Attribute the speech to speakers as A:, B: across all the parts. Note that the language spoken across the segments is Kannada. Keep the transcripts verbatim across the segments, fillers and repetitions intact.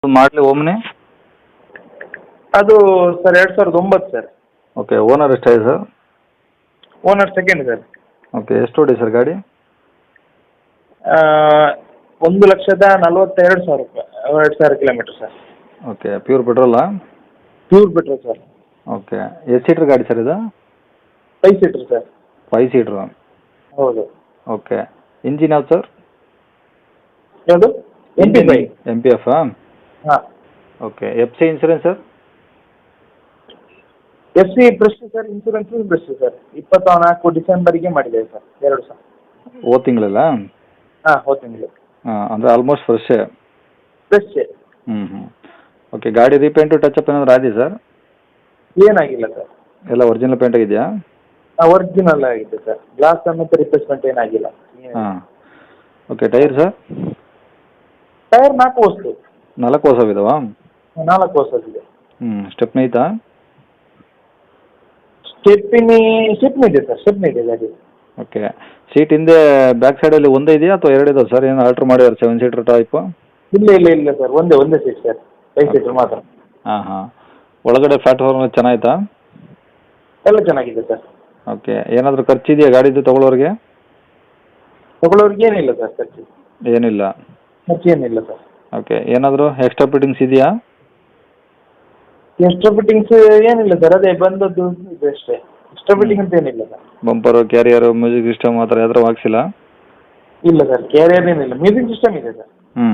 A: ಮಾಡಲಿ ಓಮ್ನಿ.
B: ಅದು ಸರ್ ಎರಡು ಸಾವಿರದ ಒಂಬತ್ತು ಸರ್.
A: ಓಕೆ, ಓನರ್ ಎಷ್ಟಾಗಿದೆ sir?
B: Owner second sir.
A: Okay, ಎಷ್ಟು ಓಡಿ ಸರ್ ಗಾಡಿ?
B: ಒಂದು ಲಕ್ಷದ ನಲವತ್ತೆರಡು ಸಾವಿರ ರೂಪಾಯಿ ಎರಡು ಸಾವಿರ ಕಿಲೋಮೀಟರ್ ಸರ್.
A: ಓಕೆ, ಪ್ಯೂರ್ ಪೆಟ್ರೋಲಾ?
B: Pure petrol sir.
A: ಓಕೆ, ಎಷ್ಟು ಸೀಟ್ರ್ ಗಾಡಿ ಸರ್ ಇದು?
B: Five seater sir.
A: Five seater?
B: ಹೌದು.
A: ಓಕೆ, ಇಂಜಿನ್ ಯಾವ್ದು ಸರ್?
B: ಯಾವುದು? M P five.
A: M P F?
B: ಹಾಂ.
A: Okay, F C insurance sir?
B: F C fresh sir, insurance fresh sir. ಇಪ್ಪತ್ತ ನಾಲ್ಕು ಡಿಸೆಂಬರಿಗೆ ಮಾಡಿದ್ದೇವೆ ಸರ್, ಎರಡು ಸಾವಿರ.
A: ಓ ತಿಂಗಳಲ್ಲ?
B: ಹಾಂ, ಹೋದ ತಿಂಗಳು.
A: ಹಾಂ, ಅಂದರೆ ಆಲ್ಮೋಸ್ಟ್ ಫ್ರೆಶ್?
B: ಫ್ರೆಶ್.
A: ಹ್ಞೂ ಹ್ಞೂ ಓಕೆ, ಗಾಡಿ ರೀಪೇಂಟು ಟಚ್ ಅಪ್ ಏನಾದರೂ ಆಗಿದೆ ಸರ್?
B: ಏನಾಗಿಲ್ಲ ಸರ್.
A: ಎಲ್ಲ ಒರಿಜಿನಲ್ ಪೇಂಟ್ ಆಗಿದೆಯಾ?
B: ಒರಿಜಿನಲ್ ಆಗಿದೆ ಸರ್. ಗ್ಲಾಸ್ ಸಮೇತ ರಿಪ್ಲೇಸ್ಮೆಂಟ್ ಏನಾಗಿಲ್ಲ.
A: ಹಾಂ. Okay, tyre sir?
B: ಟೈರ್ ನಾಲ್ಕು ವಸ್ತು.
A: ನಾಲ್ಕು ಹೊಸವಿದಾವಾ?
B: ನಾಲ್ಕು ಹೊಸದಿದೆ.
A: ಹ್ಞೂ ಸ್ಟೆಪ್ನಿ ಐತಾ?
B: ಸ್ಟೆಪ್ನಿ ಸ್ಟೆಪ್ನಿ ಇದೆ ಸರ್, ಸ್ಟೆಪ್ನಿ ಇದೆ ಗಾಡಿ.
A: ಓಕೆ, ಸೀಟ್ ಹಿಂದೆ ಬ್ಯಾಕ್ ಸೈಡಲ್ಲಿ ಒಂದೇ ಇದೆಯಾ ಅಥವಾ ಎರಡು ಇದಾವೆ ಸರ್? ಏನು ಆಲ್ಟ್ರ್ ಮಾಡಿದ್ದಾರೆ ಸೆವೆನ್ ಸೀಟರ್ ಟೈಪು?
B: ಇಲ್ಲ ಇಲ್ಲ ಇಲ್ಲ ಸರ್, ಒಂದೇ ಒಂದೇ ಸೀಟ್ ಸರ್, ಫೈವ್ ಸೀಟರ್ ಮಾತ್ರ.
A: ಹಾಂ ಹಾಂ ಒಳಗಡೆ ಪ್ಲಾಟ್ಫಾರ್ಮ್ ಚೆನ್ನಾಯ್ತಾ?
B: ಎಲ್ಲ ಚೆನ್ನಾಗಿದೆ ಸರ್.
A: ಓಕೆ, ಏನಾದರೂ ಖರ್ಚಿದೆಯಾ ಗಾಡಿದು ತೊಗೊಳೋರಿಗೆ?
B: ತಗೊಳ್ಳೋರಿಗೆ ಏನಿಲ್ಲ ಸರ್ ಖರ್ಚು.
A: ಏನಿಲ್ಲ?
B: ಖರ್ಚು ಏನಿಲ್ಲ ಸರ್.
A: ಓಕೆ, ಏನಾದರೂ ಎಕ್ಸ್ಟ್ರಾ ಫಿಟ್ಟಿಂಗ್ಸ್ ಇದೆಯಾ?
B: ಎಕ್ಸ್ಟ್ರಾ ಫಿಟ್ಟಿಂಗ್ಸ್ ಏನಿಲ್ಲ ಸರ್, ಅದೇ ಬಂದದ್ದು ಇದು ಅಷ್ಟೇ. ಎಕ್ಸ್ಟ್ರಾ ಫಿಟ್ಟಿಂಗ್ ಅಂತ ಏನಿಲ್ಲ sir.
A: Bumper, carrier, music system ಆ ಥರ ಯಾವ್ದಾರು ಹಾಕ್ಸಿಲ್ಲ?
B: ಇಲ್ಲ ಸರ್, ಕ್ಯಾರಿಯರ್ ಏನಿಲ್ಲ. ಮ್ಯೂಸಿಕ್ ಸಿಸ್ಟಮ್ ಇದೆ ಸರ್.
A: ಹ್ಞೂ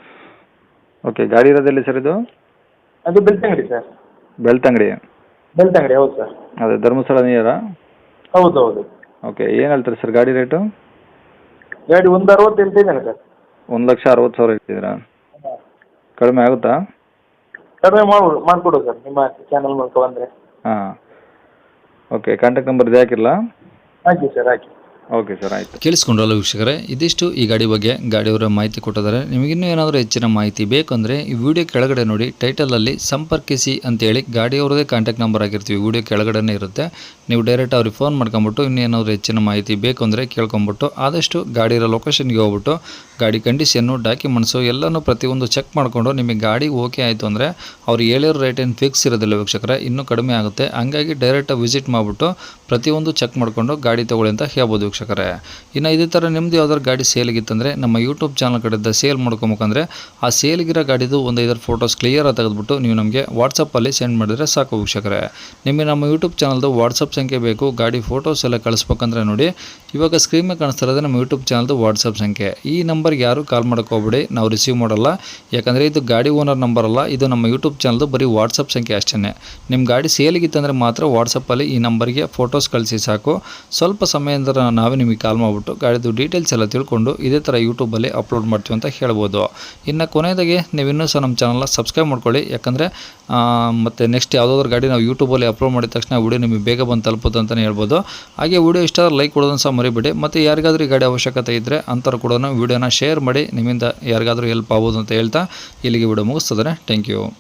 A: ಓಕೆ, ಗಾಡಿ ಇರೋದೆಲ್ಲಿ ಸರ್ ಇದು?
B: ಅದು ಬೆಳ್ತಂಗಡಿ ಸರ್.
A: ಬೆಳ್ತಂಗಡಿ?
B: ಬೆಳ್ತಂಗಡಿ ಹೌದು ಸರ್.
A: ಅದೇ ಧರ್ಮಸ್ಥಳ ನಿಯರಾ?
B: ಹೌದು ಹೌದು.
A: ಓಕೆ, ಏನು ಹೇಳ್ತಾರೆ ಸರ್ ಗಾಡಿ ರೇಟು?
B: ಗಾಡಿ ಒಂದು ಅರವತ್ತು ಹೇಳ್ತಿದ್ದೇನೆ ಸರ್.
A: ಒಂದು ಲಕ್ಷ ಅರವತ್ತು ಸಾವಿರ ಹೇಳ್ತಿದ್ದೀರಾ? ಕಡಿಮೆ ಆಗುತ್ತಾ?
B: ಕಡಿಮೆ ಮಾಡ್ಬೋದು ಮಾಡಿಕೊಡು ಸರ್, ನಿಮ್ಮ ಚಾನಲ್ ಮೂಲಕ ಬಂದರೆ.
A: ಹಾಂ ಓಕೆ, ಕಾಂಟ್ಯಾಕ್ಟ್ ನಂಬರ್ ಇದು ಹಾಕಿರಲಾ?
B: ಹಾಕಿ ಸರ್, ಹಾಕಿ.
A: ಓಕೆ ಸರ್, ಆಯಿತು.
C: ಕೇಳಿಸ್ಕೊಂಡ್ರಲ್ಲ ವೀಕ್ಷಕರೇ, ಇದಿಷ್ಟು ಈ ಗಾಡಿ ಬಗ್ಗೆ ಗಾಡಿಯವರ ಮಾಹಿತಿ ಕೊಟ್ಟಿದ್ದಾರೆ. ನಿಮಗಿನ್ನೂ ಏನಾದರೂ ಹೆಚ್ಚಿನ ಮಾಹಿತಿ ಬೇಕಂದರೆ ಈ ವಿಡಿಯೋ ಕೆಳಗಡೆ ನೋಡಿ, ಟೈಟಲಲ್ಲಿ ಸಂಪರ್ಕಿಸಿ ಅಂತೇಳಿ ಗಾಡಿಯವ್ರದೇ ಕಾಂಟ್ಯಾಕ್ಟ್ ನಂಬರ್ ಆಗಿರ್ತೀವಿ, ವಿಡಿಯೋ ಕೆಳಗಡೆ ಇರುತ್ತೆ. ನೀವು ಡೈರೆಕ್ಟ್ ಅವ್ರಿಗೆ ಫೋನ್ ಮಾಡ್ಕೊಂಬಿಟ್ಟು ಇನ್ನೇನಾದರೂ ಹೆಚ್ಚಿನ ಮಾಹಿತಿ ಬೇಕು ಅಂದರೆ ಕೇಳ್ಕೊಂಬಿಟ್ಟು ಆದಷ್ಟು ಗಾಡಿಯ ಲೊಕೇಶನ್ಗೆ ಹೋಗ್ಬಿಟ್ಟು ಗಾಡಿ ಕಂಡೀಷನ್ನು, ಡಾಕ್ಯುಮೆಂಟ್ಸು ಎಲ್ಲನೂ ಪ್ರತಿಯೊಂದು ಚೆಕ್ ಮಾಡಿಕೊಂಡು ನಿಮಗೆ ಗಾಡಿ ಓಕೆ ಆಯಿತು ಅಂದರೆ ಅವ್ರು ಹೇಳಿರೋ ರೇಟ್ ಏನು ಫಿಕ್ಸ್ ಇರೋದಿಲ್ಲ ವೀಕ್ಷಕರೇ, ಇನ್ನೂ ಕಡಿಮೆ ಆಗುತ್ತೆ. ಹಂಗಾಗಿ ಡೈರೆಕ್ಟಾಗಿ ವಿಸಿಟ್ ಮಾಡಿಬಿಟ್ಟು ಪ್ರತಿಯೊಂದು ಚೆಕ್ ಮಾಡಿಕೊಂಡು ಗಾಡಿ ತೊಗೊಳ್ಳಿ ಅಂತ ಹೇಳ್ಬೋದು ವೀಕ್ಷಕರೇ. ಇನ್ನು ಇದೇ ಥರ ನಿಮ್ಮದು ಯಾವ್ದಾದ್ರು ಗಾಡಿ ಸೇಲಿಗಿತ್ತಂದರೆ ನಮ್ಮ ಯೂಟ್ಯೂಬ್ ಚಾನಲ್ ಕಡೆಯಿಂದ ಸೇಲ್ ಮಾಡ್ಕೊಬೇಕಂದ್ರೆ ಆ ಸೇಲ್ಗಿರೋ ಗಾಡಿದು ಒಂದು ಐದಾರು ಫೋಟೋಸ್ ಕ್ಲಿಯರಾಗಿ ತೆಗೆದುಬಿಟ್ಟು ನೀವು ನಮಗೆ ವಾಟ್ಸಪ್ಪಲ್ಲಿ ಸೆಂಡ್ ಮಾಡಿದರೆ ಸಾಕು ವೀಕ್ಷಕರೇ. ನಿಮಗೆ ನಮ್ಮ ಯೂಟ್ಯೂಬ್ ಚಾನಲ್ದು ವಾಟ್ಸಪ್ ಸಂಖ್ಯೆ ಬೇಕು, ಗಾಡಿ ಫೋಟೋಸ್ ಎಲ್ಲ ಕಳಿಸ್ಬೇಕಂದ್ರೆ ನೋಡಿ ಇವಾಗ ಸ್ಕ್ರೀನ್ ಮೇಲೆ ಕಾಣಿಸ್ತಾ ಇರೋದು ನಮ್ಮ ಯೂಟ್ಯೂಬ್ ಚಾನಲ್ದು ವಾಟ್ಸಪ್ ಸಂಖ್ಯೆ. ಈ ನಂಬರ್ಗೆ ಯಾರು ಕಾಲ್ ಮಾಡೋಕೆ ಹೋಗ್ಬೇಡಿ, ನಾವು ರಿಸೀವ್ ಮಾಡಲ್ಲ. ಯಾಕಂದರೆ ಇದು ಗಾಡಿ ಓನರ್ ನಂಬರ್ ಅಲ್ಲ, ಇದು ನಮ್ಮ ಯೂಟ್ಯೂಬ್ ಚಾನಲ್ದು ಬರೀ ವಾಟ್ಸಪ್ ಸಂಖ್ಯೆ ಅಷ್ಟೇ. ನಿಮ್ಮ ಗಾಡಿ ಸೇಲಿಗಿತ್ತಂದರೆ ಮಾತ್ರ ವಾಟ್ಸಪ್ಪಲ್ಲಿ ಈ ನಂಬರ್ಗೆ ಫೋಟೋಸ್ ಕಳಿಸಿ ಸಾಕು. ಸ್ವಲ್ಪ ಸಮಯದಿಂದ ನಾವೇ ನಿಮಗೆ ಕಾಲ್ ಮಾಡಿಬಿಟ್ಟು ಗಾಡಿದು ಡೀಟೇಲ್ಸ್ ಎಲ್ಲ ತಿಳ್ಕೊಂಡು ಇದೇ ಥರ ಯೂಟ್ಯೂಬಲ್ಲಿ ಅಪ್ಲೋಡ್ ಮಾಡ್ತೀವಿ ಅಂತ ಹೇಳ್ಬೋದು. ಇನ್ನು ಕೊನೆಯದಾಗಿ ನೀವು ಇನ್ನೂ ಸಹ ನಮ್ಮ ಚಾನಲ್ನ ಸಬ್ಸ್ಕ್ರೈಬ್ ಮಾಡ್ಕೊಳ್ಳಿ, ಯಾಕಂದರೆ ಮತ್ತು ನೆಕ್ಸ್ಟ್ ಯಾವುದಾದ್ರೂ ಗಾಡಿ ನಾವು ಯೂಟ್ಯೂಬಲ್ಲಿ ಅಪ್ಲೋಡ್ ಮಾಡಿದ ತಕ್ಷಣ ವಿಡಿಯೋ ನಿಮಗೆ ಬೇಗ ಬಂದು ತಲುಪುತ್ತೆ ಅಂತಲೇ ಹೇಳ್ಬೋದು. ಹಾಗೆ ವಿಡಿಯೋ ಇಷ್ಟ ಲೈಕ್ ಕೊಡೋದನ್ನು ಸಹ ಮರಿಬೇಡಿ. ಮತ್ತು ಯಾರಿಗಾದ್ರೂ ಈ ಗಾಡಿ ಅವಶ್ಯಕತೆ ಇದ್ದರೆ ಅಂಥವ್ರು ಕೂಡ ವಿಡಿಯೋನ ಶೇರ್ ಮಾಡಿ, ನಿಮ್ಮಿಂದ ಯಾರಿಗಾದ್ರೂ ಹೆಲ್ಪ್ ಆಗ್ಬೋದು ಅಂತ ಹೇಳ್ತಾ ಇಲ್ಲಿಗೆ ವಿಡಿಯೋ ಮುಗಿಸ್ತದೆ. Thank you.